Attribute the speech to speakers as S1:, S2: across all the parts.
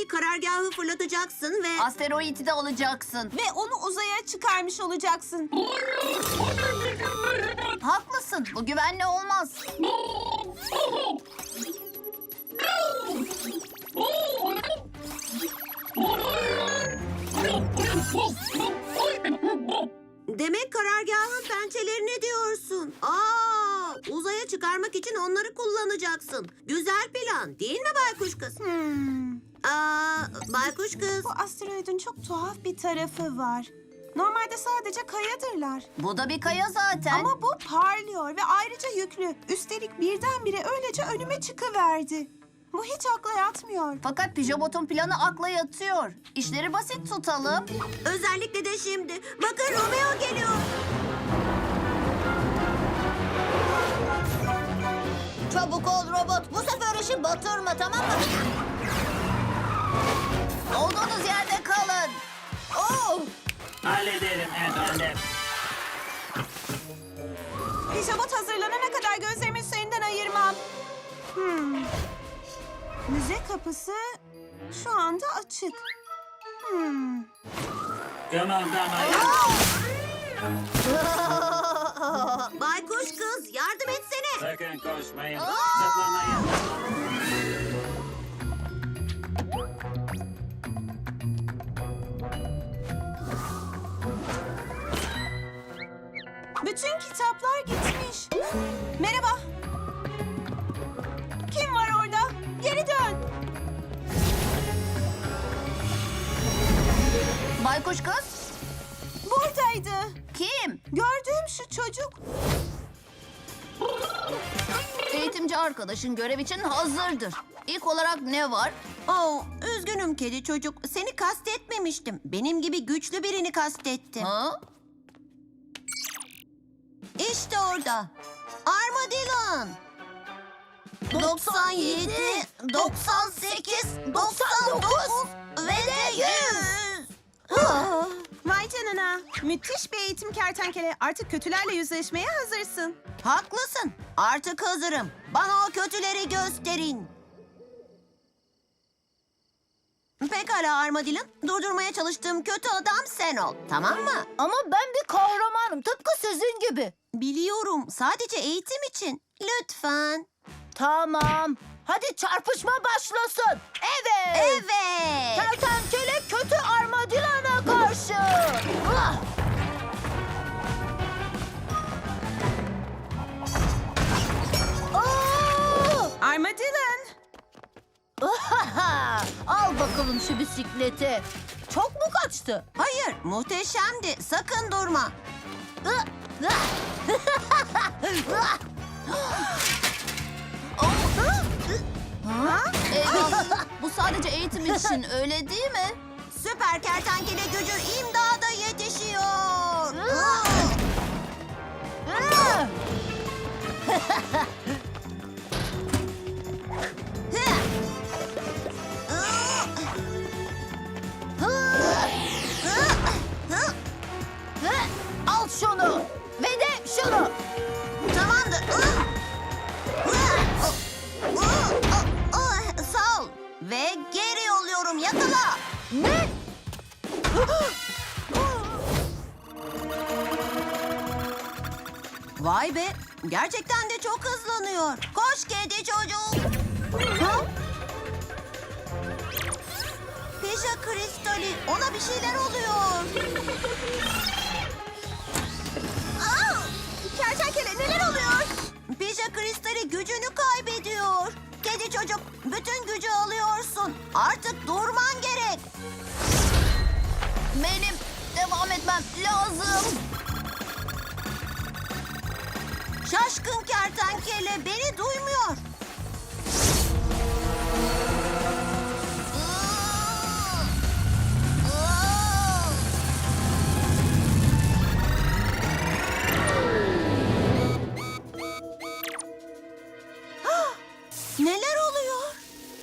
S1: Yani karargahı fırlatacaksın ve...
S2: Asteroidi de alacaksın.
S3: Ve onu uzaya çıkarmış olacaksın.
S2: Haklısın. Bu güvenli olmaz.
S1: Demek karargahın pençelerini diyorsun. Uzaya çıkarmak için onları kullanacaksın. Güzel plan değil mi baykuş kız? Baykuş kız.
S3: Bu asteroidin çok tuhaf bir tarafı var. Normalde sadece kayadırlar.
S2: Bu da bir kaya zaten.
S3: Ama bu parlıyor ve ayrıca yüklü. Üstelik birdenbire öylece önüme çıkıverdi. Bu hiç akla yatmıyor.
S2: Fakat Pijabot'un planı akla yatıyor. İşleri basit tutalım.
S1: Özellikle de şimdi. Bakın Romeo geliyor.
S2: Çabuk ol robot. Bu sefer işi batırma, tamam mı? Olduğunuz yerde kalın. Oh!
S4: Hallederim efendim.
S3: Pijabot hazırlanana kadar gözlerimi üzerinden ayırmam. Müze kapısı şu anda açık.
S4: Kımıldamayın.
S1: Baykuş kız yardım etsene.
S4: Sakın koşmayın. Zıplamayın.
S3: Bütün kitaplar gitmiş. Merhaba. Kim var orada? Geri dön.
S2: Baykuş kız?
S3: Buradaydı.
S2: Kim?
S3: Gördüğüm şu çocuk.
S2: Eğitimci arkadaşın görev için hazırdır. İlk olarak ne var?
S1: Üzgünüm kedi çocuk. Seni kastetmemiştim. Benim gibi güçlü birini kastettim.
S2: Ha?
S1: İşte orada. Armadillon. 97, 98, 99 ve de 100.
S3: Vay canına. Müthiş bir eğitim kertenkele. Artık kötülerle yüzleşmeye hazırsın.
S1: Haklısın. Artık hazırım. Bana o kötüleri gösterin. Pekala Armadillon. Durdurmaya çalıştığım kötü adam sen ol. Tamam mı?
S2: Ama ben bir kahramanım. Tıpkı sizin gibi.
S1: Biliyorum. Sadece eğitim için. Lütfen.
S2: Tamam. Hadi çarpışma başlasın. Evet.
S1: Evet.
S2: Kertenkele kötü armadilana karşı. Ah! Oo!
S3: Armadillon.
S2: Al bakalım şu bisikleti. Çok mu kaçtı?
S1: Hayır, muhteşemdi. Sakın durma.
S2: Eyvah. Bu sadece eğitim için, öyle değil mi?
S1: Süper kertenkele gücü imdada yetişiyor.
S2: Al şunu ve de şunu.
S1: Tamamdır. Sağ ol. Ve geri yolluyorum. Yakala.
S2: Ne?
S1: Vay be. Gerçekten de çok hızlanıyor. Koş kedi çocuk. Pija kristali. Ona bir şeyler oluyor.
S3: Kertenkele neler oluyor?
S1: Pija kristali gücünü kaybediyor. Kedi çocuk, bütün gücü alıyorsun. Artık durman gerek.
S2: Benim devam etmem lazım.
S1: Şaşkın kertenkele beni duymuyor. Neler oluyor?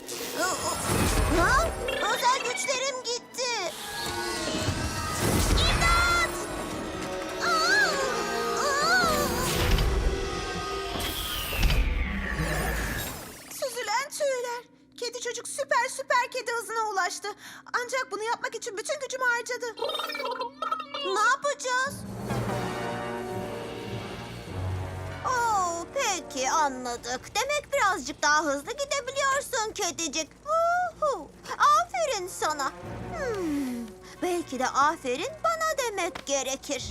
S1: Özel güçlerim gitti. İmdat!
S3: çalıştı. Ancak bunu yapmak için bütün gücümü harcadı.
S1: Ne yapacağız? Oo, peki anladık. Demek birazcık daha hızlı gidebiliyorsun kedicik. Uhu, aferin sana. Belki de aferin bana demek gerekir.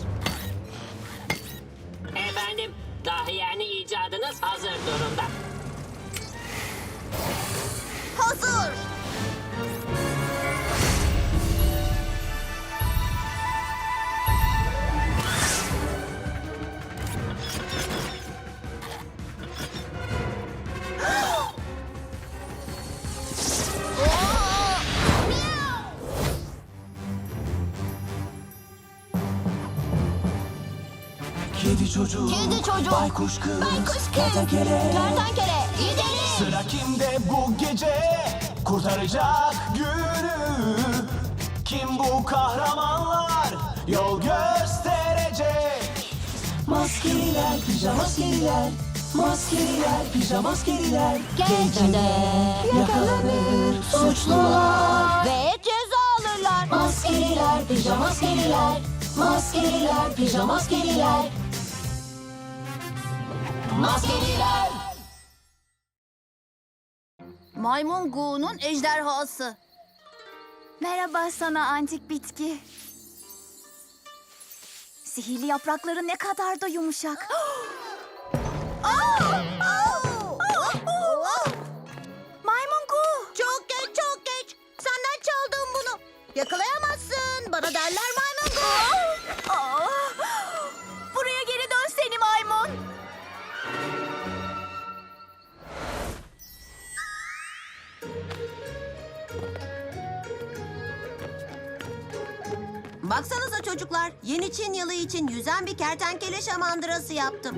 S5: Efendim, dahi yani icadınız hazır durumda.
S1: Hazır.
S6: Kedi çocuk,
S2: Kedi çocuk,
S6: baykuş kız,
S2: kertenkele, gidelim.
S6: Sıra kimde bu gece kurtaracak günü? Kim bu kahramanlar yol gösterecek? Maskeliler, pijamaskeliler, maskeliler, pijamaskeliler.
S2: Gecede
S6: Yakalanır suçlular.
S1: Ve ceza alırlar.
S6: Maskeliler, pijamaskeliler, maskeliler, pijamaskeliler. Maskeliler.
S2: Maymun Gu'nun ejderhası.
S7: Merhaba sana antik bitki. Sihirli yaprakları ne kadar da yumuşak. Maymun Gu.
S1: Çok geç, çok geç. Senden çaldım bunu. Yakalayamazsın. Bana derler maymun Gu.
S7: Aa! Buraya geri dön seni maymun.
S1: Baksanıza çocuklar, yeni Çin yılı için yüzen bir kertenkele şamandırası yaptım.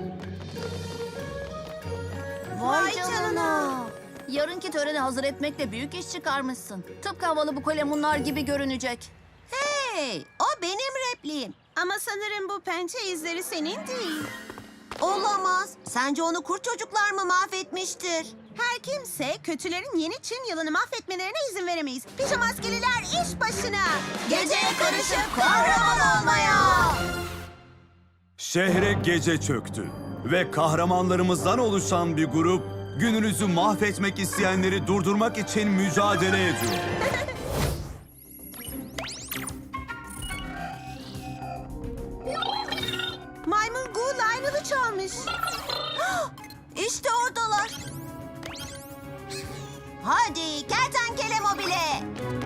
S2: Vay canına. Yarınki töreni hazır etmekle büyük iş çıkarmışsın. Tıpkı havalı bu kalemunlar gibi görünecek.
S1: Hey, o benim repliğim.
S3: Ama sanırım bu pençe izleri senin değil.
S1: Olamaz. Sence onu kurt çocuklar mı mahvetmiştir?
S3: Her kimse kötülerin yeni Çin yılını mahvetmelerine izin veremeyiz. Pijamaskeliler iş başına.
S1: Geceye karışıp kahraman olmaya.
S8: Şehre gece çöktü ve kahramanlarımızdan oluşan bir grup gününüzü mahvetmek isteyenleri durdurmak için mücadele ediyor.
S3: Maymun Gu Lionel'ı çalmış.
S1: İşte oradalar. Hadi kertenkele mobile.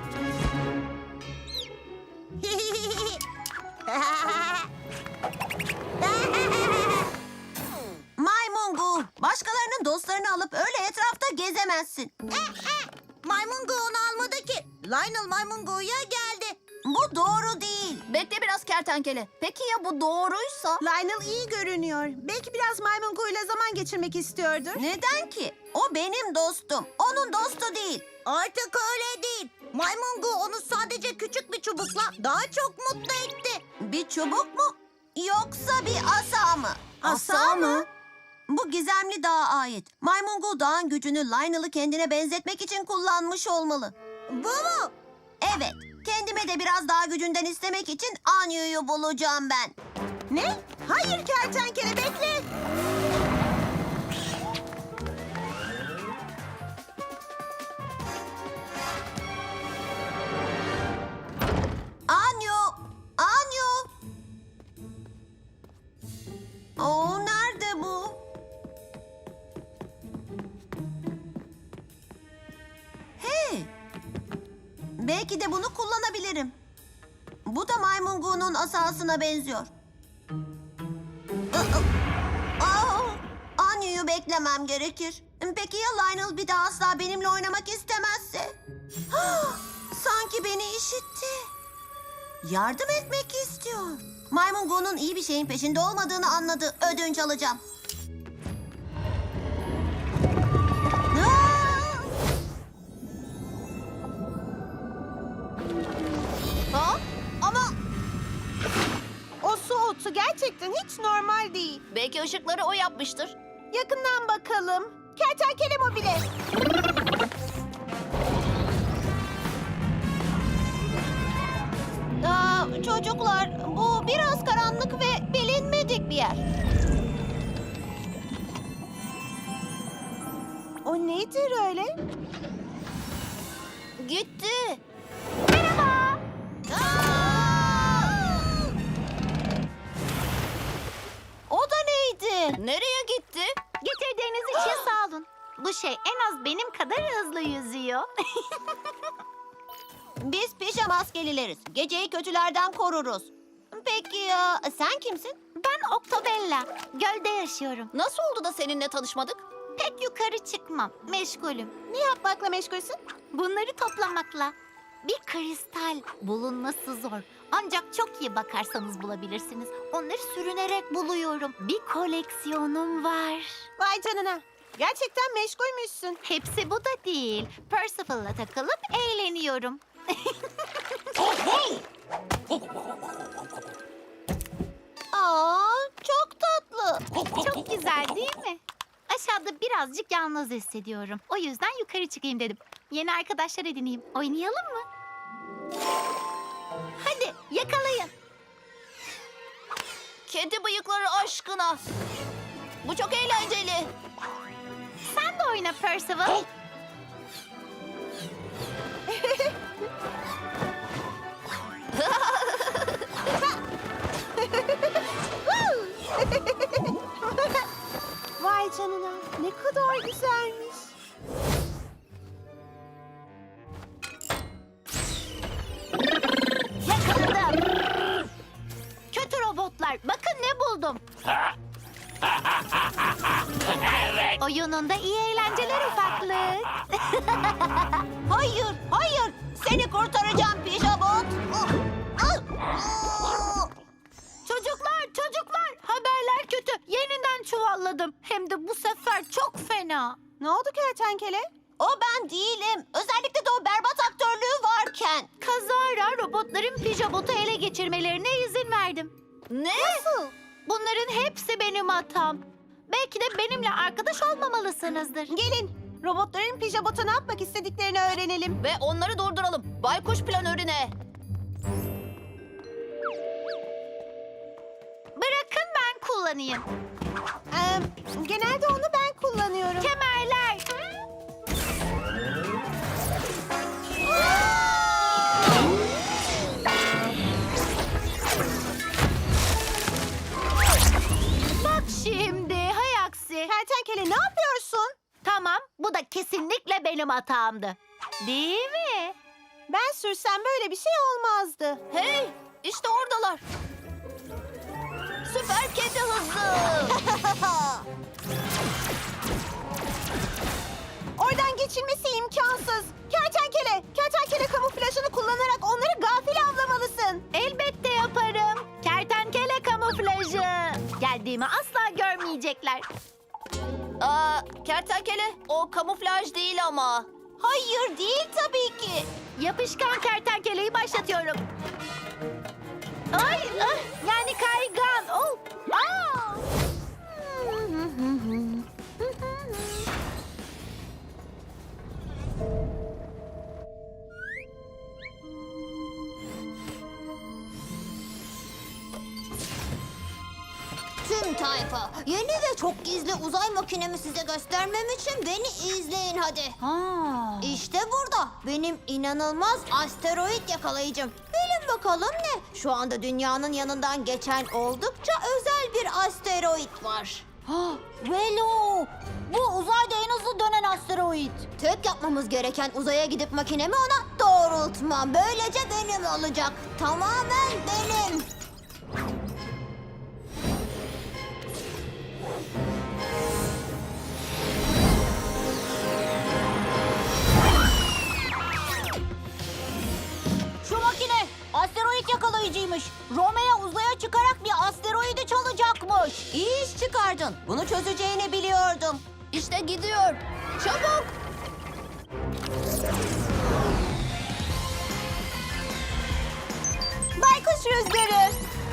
S1: Maymun Gu, başkalarının dostlarını alıp öyle etrafta gezemezsin. Maymun Gu onu almadı ki. Lionel Maymun Gu'ya geldi. Bu doğru değil.
S2: Bekle biraz kertenkele. Peki ya bu doğruysa?
S3: Lionel iyi görünüyor. Belki biraz Maymun Gu ile zaman geçirmek istiyordur.
S1: Neden ki? O benim dostum. Onun dostu değil. Artık öyle değil. Maymun Gu onu sadece küçük bir çubukla daha çok mutlu etti. Bir çubuk mu? Yoksa bir asa mı?
S2: Asa mı?
S1: Bu gizemli dağa ait. Maymun Gu dağın gücünü Lionel'ı kendine benzetmek için kullanmış olmalı. Bu mu? Evet. Kendime de biraz daha gücünden istemek için Anyu'yu bulacağım ben.
S3: Ne? Hayır kertenkele bekle.
S1: Anyu! Anyu! Oo, nerede bu? Hey! Belki de bunu kullanabilirim. Bu da Maymun Gu'nun asasına benziyor. Anyu'yu beklemem gerekir. Peki ya Lionel bir daha asla benimle oynamak istemezse? Sanki beni işitti. Yardım etmek istiyor. Maymun Gu'nun iyi bir şeyin peşinde olmadığını anladı. Ödünç alacağım.
S2: Ha? Ama
S3: O su otu gerçekten hiç normal değil.
S2: belki ışıkları o yapmıştır.
S3: Yakından bakalım. Kertenkele mobile.
S1: Çocuklar, bu biraz karanlık ve bilinmedik bir yer.
S3: O nedir öyle?
S2: Gitti.
S1: O da neydi?
S2: Nereye gitti?
S7: Getirdiğiniz için sağ olun. Bu şey en az benim kadar hızlı yüzüyor.
S1: Biz pijama maskelileriz. Geceyi kötülerden koruruz. Peki ya sen kimsin?
S7: Ben Octobella. Gölde yaşıyorum.
S2: Nasıl oldu da seninle tanışmadık?
S7: Pek yukarı çıkmam. Meşgulüm.
S3: Ne yapmakla meşgulsün?
S7: Bunları toplamakla. Bir kristal bulunması zor. Ancak çok iyi bakarsanız bulabilirsiniz. Onları sürünerek buluyorum. Bir koleksiyonum var.
S3: Vay canına. Gerçekten meşgulmüşsün.
S7: Hepsi bu da değil. Percival'la takılıp eğleniyorum.
S1: Aa, çok tatlı.
S7: Çok güzel değil mi? Aşağıda birazcık yalnız hissediyorum. O yüzden yukarı çıkayım dedim. Yeni arkadaşlar edineyim. Oynayalım mı? Hadi yakalayın.
S2: Kedi bıyıkları aşkına. Bu çok eğlenceli.
S7: Sen de oyna Percival.
S3: Vay canına. Ne kadar güzelmiş.
S7: Yakaladım. Kötü robotlar. Bakın ne buldum. Oyununda iyi eğlenceler ufaklık.
S1: Hayır, hayır. Seni kurtaracağım Pijabot.
S7: Çocuklar, haberler kötü. Yeniden çuvalladım. Hem de bu sefer çok fena.
S3: Ne oldu kertenkele?
S1: O ben değilim. Özellikle de o berbat aktörlüğü varken.
S7: Kazara robotların Pijabot'u ele geçirmelerine izin verdim.
S2: Ne?
S7: Bunların hepsi benim hatam. Belki de benimle arkadaş olmamalısınızdır.
S3: Gelin. Robotların Pijabot'a ne yapmak istediklerini öğrenelim.
S2: Ve onları durduralım. Baykuş planörüne.
S7: Bırakın ben kullanayım.
S3: Genelde onu ben kullanıyorum.
S7: Kemerler. Bak şimdi, hay aksi.
S3: Kertenkele ne yapıyorsun?
S7: Tamam, bu da kesinlikle benim hatamdı. Değil mi?
S3: Ben sürsem böyle bir şey olmazdı.
S2: Hey, işte oradalar. Süper kedi hızı.
S3: Oradan geçilmesi imkansız. Kertenkele kamuflajını kullanarak onları gafil avlamalısın.
S7: Elbette yaparım. Kertenkele kamuflajı. Geldiğimi asla görmeyecekler.
S2: Kertenkele, o kamuflaj değil ama.
S1: Hayır değil tabii ki.
S7: Yapışkan kertenkeleyi başlatıyorum. Ay, yani kaygan. Oh. Aa!
S1: Tüm tayfa, yeni ve çok gizli uzay makinemi size göstermem için beni izleyin hadi. İşte burada benim inanılmaz asteroid yakalayıcım. Bilin bakalım ne? Şu anda dünyanın yanından geçen oldukça özel bir asteroid var. Velo! Bu uzayda en hızlı dönen asteroid. Tek yapmamız gereken uzaya gidip makinemi ona doğrultmam. Böylece benim olacak. Tamamen benim. Şu makine asteroid yakalayıcıymış. Romeo uzaya çıkarak bir asteroidi çalacakmış. İyi iş çıkardın. Bunu çözeceğini biliyordum.
S2: İşte gidiyor. Çabuk.
S3: Baykuş rüzgarı.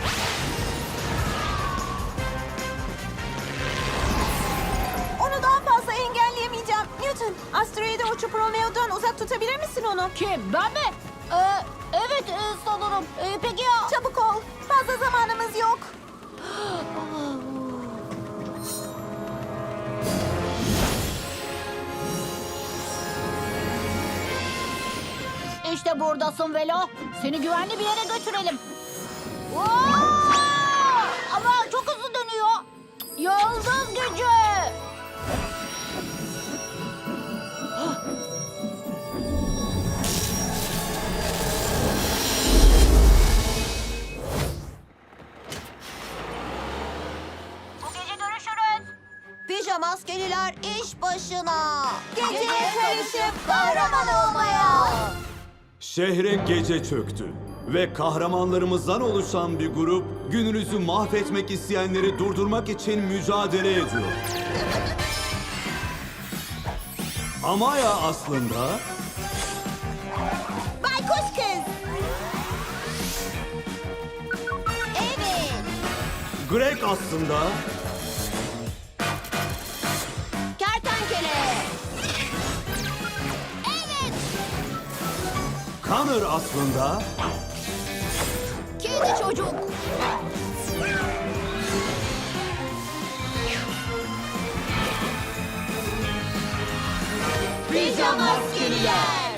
S3: Onu daha fazla engelleyemeyeceğim. Newton, asteroide uçup Romeo'dan uzak tutabilir misin onu?
S2: Kim? Ben mi? Evet sanırım. Peki ya?
S3: Çabuk ol. Fazla zamanımız yok.
S2: İşte buradasın Velo. Seni güvenli bir yere götürelim. Ama çok hızlı dönüyor. Yıldız gücü. Bu gece görüşürüz.
S1: Pijama askeriler iş başına.
S3: Geceye karışıp kahraman olmaya.
S8: Şehre gece çöktü ve kahramanlarımızdan oluşan bir grup gününüzü mahvetmek isteyenleri durdurmak için mücadele ediyor. Amaya aslında
S1: Baykuş kız. Evet.
S8: Greg aslında
S1: Kertenkele.
S8: Connor aslında
S2: Kedi çocuk.
S1: Pijama askeriler.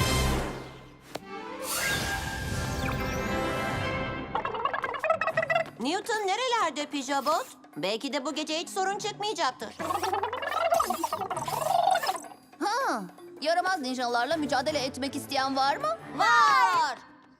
S1: Newton nerelerde Pijabot? Belki de bu gece hiç sorun çıkmayacaktır.
S2: Yaramaz ninjalarla mücadele etmek isteyen var mı?
S1: Var.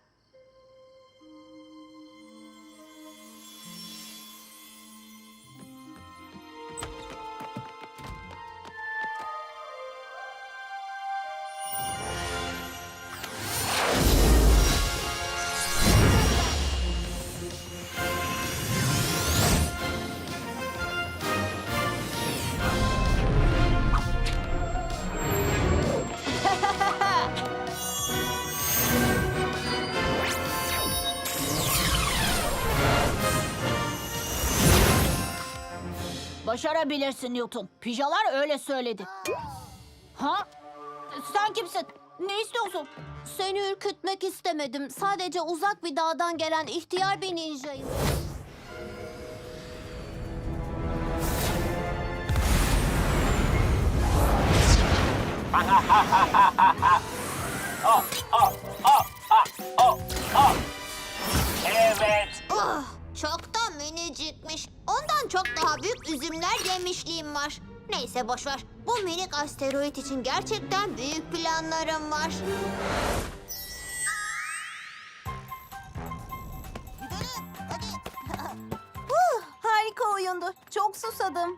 S2: Başarabilirsin Newton. Pijalar öyle söyledi. Ha? Sen kimsin? Ne istiyorsun?
S7: Seni ürkütmek istemedim. Sadece uzak bir dağdan gelen ihtiyar bir ninjayım.
S4: Evet.
S7: Çok da minicikmiş. Ondan çok daha büyük üzümler yemişliğim var. Neyse boşver. Bu minik asteroid için gerçekten büyük planlarım var.
S3: Harika oyundu. Çok susadım.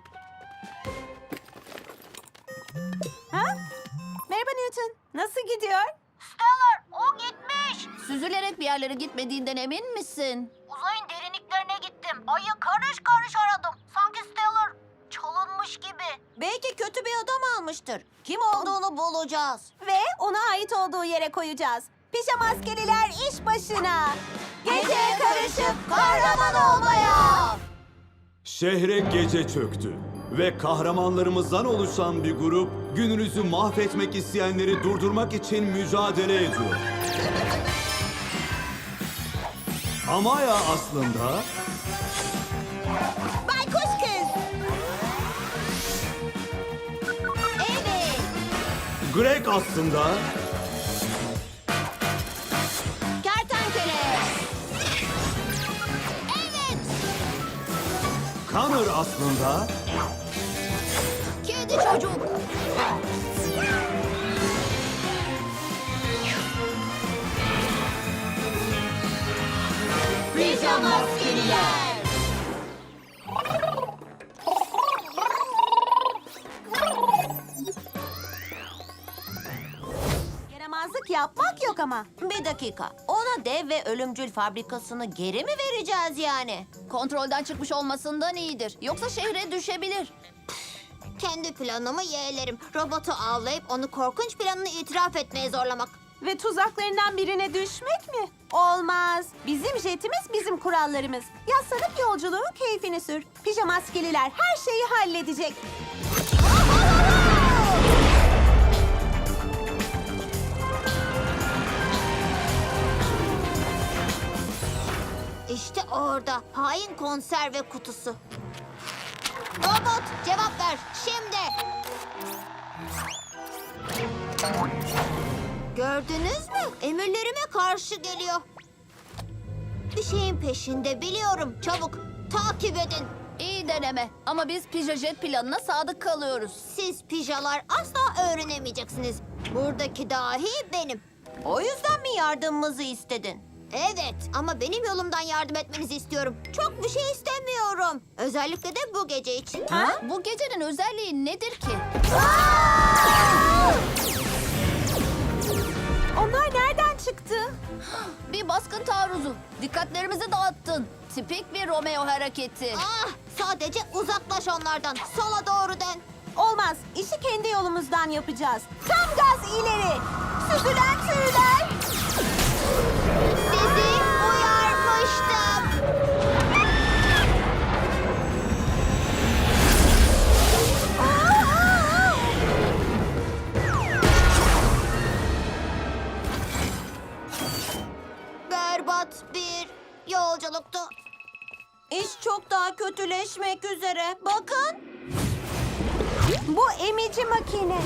S3: Ha? Merhaba Newton. Nasıl gidiyor?
S2: Stellar, o gitmiş. Süzülerek bir yerlere gitmediğinden emin misin? Uzayın derinliklerine gittim. Ayı karış karış aradım. Sanki Stellar çalınmış gibi.
S1: Belki kötü bir adam almıştır. Kim olduğunu bulacağız.
S3: Ve ona ait olduğu yere koyacağız. Pijama askeriler iş başına. Geceye karışıp kahraman olmaya.
S8: şehre gece çöktü ve kahramanlarımızdan oluşan bir grup gününüzü mahvetmek isteyenleri durdurmak için mücadele ediyor. Amaya aslında
S1: Baykuş kız. Evet.
S8: Greg aslında
S1: Kertenkele.
S8: Connor aslında
S2: Kedi çocuk.
S1: Pijama askeriler.
S3: Yaramazlık yapmak yok ama.
S1: Bir dakika. Ona dev ve ölümcül fabrikasını geri mi vereceğiz yani?
S2: Kontrolden çıkmış olmasından iyidir. Yoksa şehre düşebilir.
S7: Kendi planımı yeğlerim. Robotu avlayıp onu korkunç planını itiraf etmeye zorlamak.
S3: Ve tuzaklarından birine düşmek mi? Olmaz. Bizim jetimiz bizim kurallarımız. Yaslanıp yolculuğun keyfini sür. Pijama askeriler her şeyi halledecek.
S2: İşte orada hain konserve kutusu. Robot cevap ver şimdi. Gördünüz mü? Emirlerime karşı geliyor. Bir şeyin peşinde biliyorum. Çabuk takip edin.
S9: İyi deneme ama biz Pijajet planına sadık kalıyoruz.
S2: Siz pijalar asla öğrenemeyeceksiniz. Buradaki dahi benim.
S1: O yüzden mi yardımımızı istedin?
S2: Evet ama benim yolumdan yardım etmenizi istiyorum. Çok bir şey istemiyorum. Özellikle de bu gece için.
S9: Bu gecenin özelliği nedir ki?
S3: Onlar nereden çıktı?
S9: Bir baskın taarruzu. Dikkatlerimizi dağıttın. Tipik bir Romeo hareketi.
S2: Ah, sadece uzaklaş onlardan. Sola doğru dön.
S3: Olmaz. İşi kendi yolumuzdan yapacağız. Tam gaz ileri. Süzülen tüyler.
S2: Sizi uyarmıştım. Berbat bir yolculuktu.
S1: İş çok daha kötüleşmek üzere. Bakın.
S3: Bu emici makine.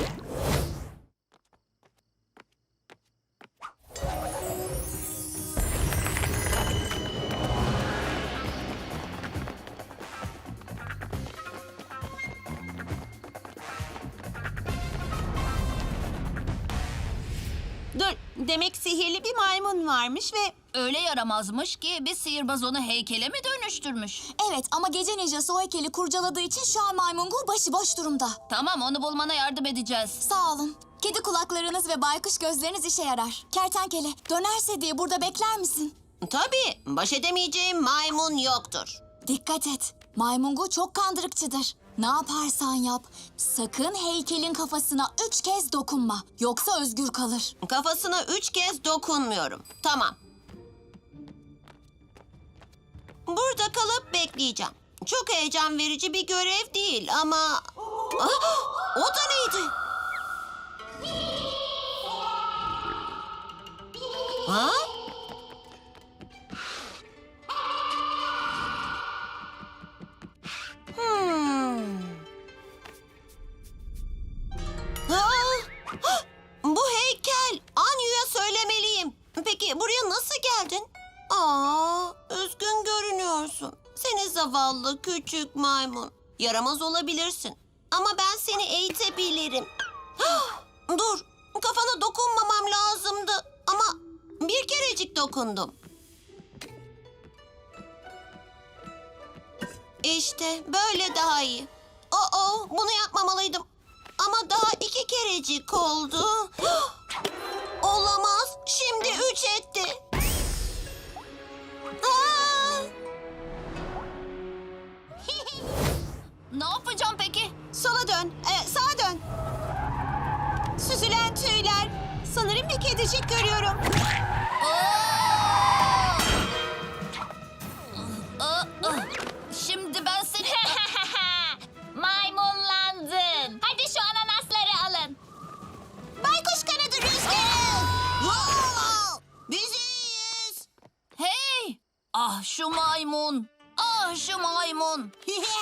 S10: Dur, demek sihirli bir maymun varmış ve...
S9: Öyle yaramazmış ki bir sihirbaz onu heykele mi dönüştürmüş?
S10: Evet ama gece ninjası o heykeli kurcaladığı için şu an maymungu başıboş durumda.
S9: Tamam onu bulmana yardım edeceğiz.
S10: Sağ olun. Kedi kulaklarınız ve baykuş gözleriniz işe yarar. Kertenkele, dönerse diye burada bekler misin?
S1: Tabii. Baş edemeyeceğim maymun yoktur.
S10: Dikkat et. Maymungu çok kandırıkçıdır. Ne yaparsan yap, sakın heykelin kafasına 3 kez dokunma. Yoksa özgür kalır.
S1: Kafasına 3 kez dokunmuyorum. Tamam. Burada kalıp bekleyeceğim. Çok heyecan verici bir görev değil ama... Ah, o da neydi? Ha? Ah, bu heykel. Anyu'ya söylemeliyim. Peki buraya nasıl geldin? Aa, üzgün görünüyorsun. Seni zavallı küçük maymun. Yaramaz olabilirsin. Ama ben seni eğitebilirim. Ah, dur, kafana dokunmamam lazımdı. Ama bir kerecik dokundum. İşte böyle daha iyi. Bunu yapmamalıydım. Ama daha 2 kerecik oldu. Olamaz. Şimdi 3 etti. Aa!
S9: Ne yapacağım peki?
S10: Sola dön, sağa dön. Süzülen tüyler. Sanırım bir kedicik görüyorum.
S9: Şimdi ben seni...
S7: Maymunlandın. Hadi şu ananasları alın.
S10: Baykuş kanadı rüzgarı.
S1: Biziz.
S9: Hey! Ah şu maymun. Ah şu maymun.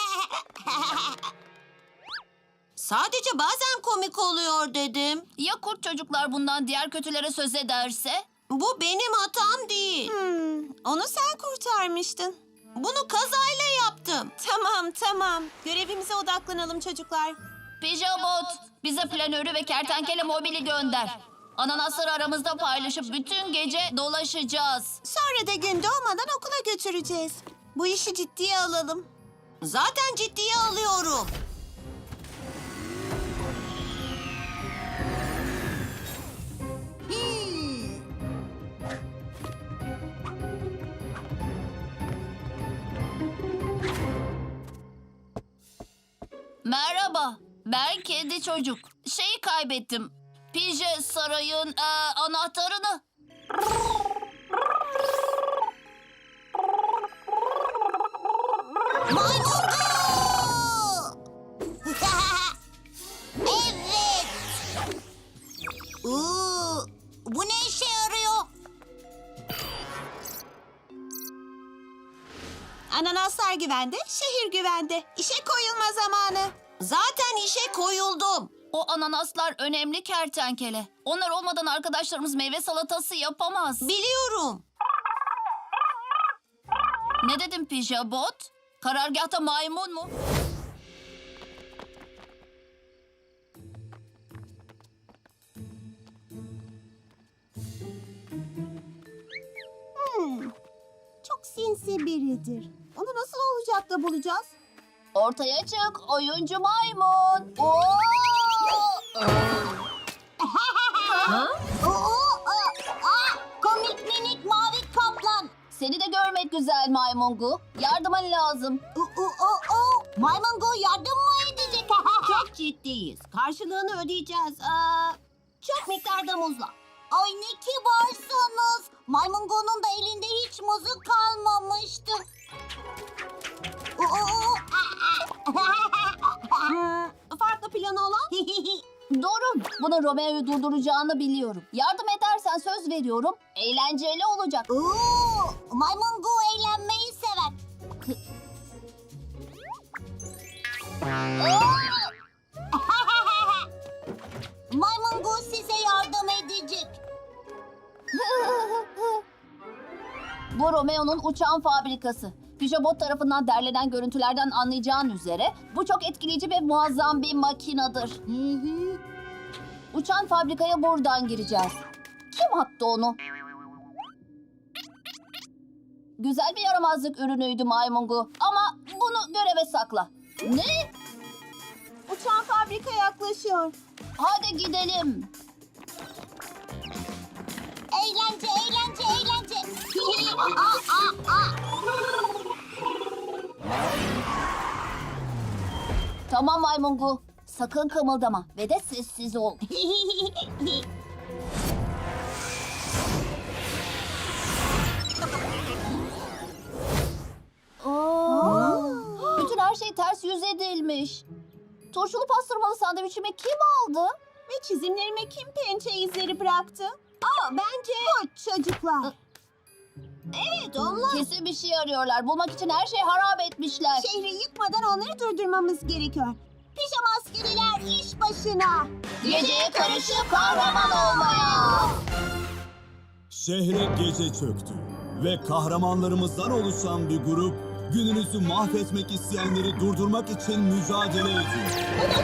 S1: Sadece bazen komik oluyor dedim.
S9: Ya kurt çocuklar bundan diğer kötülere söz ederse?
S1: Bu benim hatam değil.
S10: Onu sen kurtarmıştın.
S1: Bunu kazayla yaptım.
S10: Tamam. Görevimize odaklanalım çocuklar.
S9: Pijabot, bize planörü ve kertenkele mobili gönder. Ananasları aramızda paylaşıp bütün gece dolaşacağız.
S10: Sonra da gün doğmadan okula götüreceğiz. Bu işi ciddiye alalım.
S1: Zaten ciddiye alıyorum.
S9: Merhaba, ben kedi çocuk. Şeyi kaybettim. Pije sarayın anahtarını.
S2: Evet. Bu ne işe yarıyor?
S3: Çocuklar güvende, şehir güvende. İşe koyulma zamanı.
S1: Zaten işe koyuldum.
S9: O ananaslar önemli kertenkele. Onlar olmadan arkadaşlarımız meyve salatası yapamaz.
S1: Biliyorum.
S9: Ne dedim Pijabot? Karargahta maymun mu?
S3: Çok sinsi biridir. Onu nasıl olacak da bulacağız?
S9: Ortaya çık oyuncu maymun. Oo!
S7: Komik minik mavi kaplan.
S9: Seni de görmek güzel maymungu. Yardımın lazım.
S7: Maymungu yardım mı edecek?
S1: Çok ciddiyiz. Karşılığını ödeyeceğiz. Çok miktarda muzla.
S7: Ay ne kibarsınız. Maymungu'nun da elinde hiç muzu kalmamıştı.
S1: Farklı planı olan?
S9: Doğru. Bunun Romeo'yu durduracağını biliyorum. Yardım edersen söz veriyorum. Eğlenceli olacak.
S7: Maymungu eğlenmeyi sever. Maymungu size yardım edecek.
S9: Bu Romeo'nun uçağın fabrikası. Pijabot tarafından derlenen görüntülerden anlayacağın üzere bu çok etkileyici ve muazzam bir makinedir. Uçan fabrikaya buradan gireceğiz. Kim attı onu? Güzel bir yaramazlık ürünüydü maymungu ama bunu göreve sakla. Ne?
S3: Uçan fabrika yaklaşıyor.
S9: Hadi gidelim.
S7: Eğlence, eğlence, eğlence.
S9: Tamam maymungu. Sakın kımıldama ve de sessiz ol. Bütün her şey ters yüz edilmiş. Turşulu pastırmalı sandviçimi kim aldı?
S3: Ve çizimlerime kim pençe izleri bıraktı? Bence bu çocuklar.
S1: Evet onlar.
S9: Kesin bir şey arıyorlar. Bulmak için her şeyi harap etmişler.
S3: Şehri yıkmadan onları durdurmamız gerekiyor. Pijama askeriler iş başına.
S9: Geceye karışıp kahraman olmaya.
S8: Şehre gece çöktü ve kahramanlarımızdan oluşan bir grup gününüzü mahvetmek isteyenleri durdurmak için mücadele ediyor.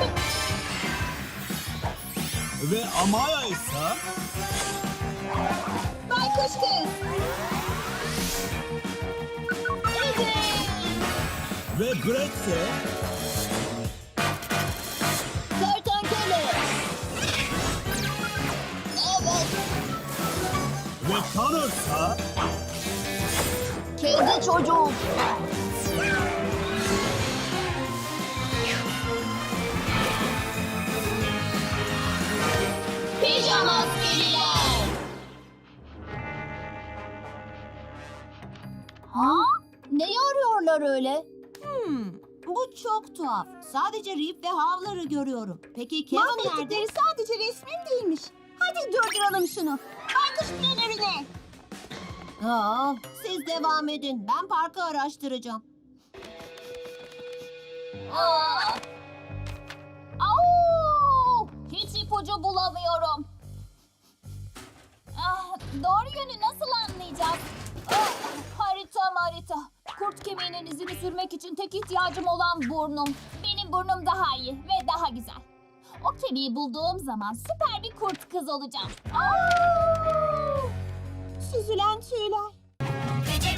S8: Ve Amaya ise
S3: Baykuş kız.
S8: ve Brett ise
S9: Kertenkele. Evet.
S8: ve Connor ise
S9: Kedi çocuk. Pijama askeriler. Ha? Neyi arıyorlar öyle?
S1: Bu çok tuhaf. Sadece Rip ve Havlar'ı görüyorum. Peki Kevin nerede?
S3: Mahvettikleri sadece resmim değilmiş. Hadi durduralım şunu. Baykuş planörüne.
S1: Siz devam edin. Ben parkı araştıracağım.
S9: Au! Hiç ipucu bulamıyorum. Doğru yönü nasıl anlayacağız? Harita. Kurt kemiğinin izini sürmek için tek ihtiyacım olan burnum. Benim burnum daha iyi ve daha güzel. O kemiği bulduğum zaman süper bir kurt kız olacağım.
S3: Süzülen tüyler.
S7: Gece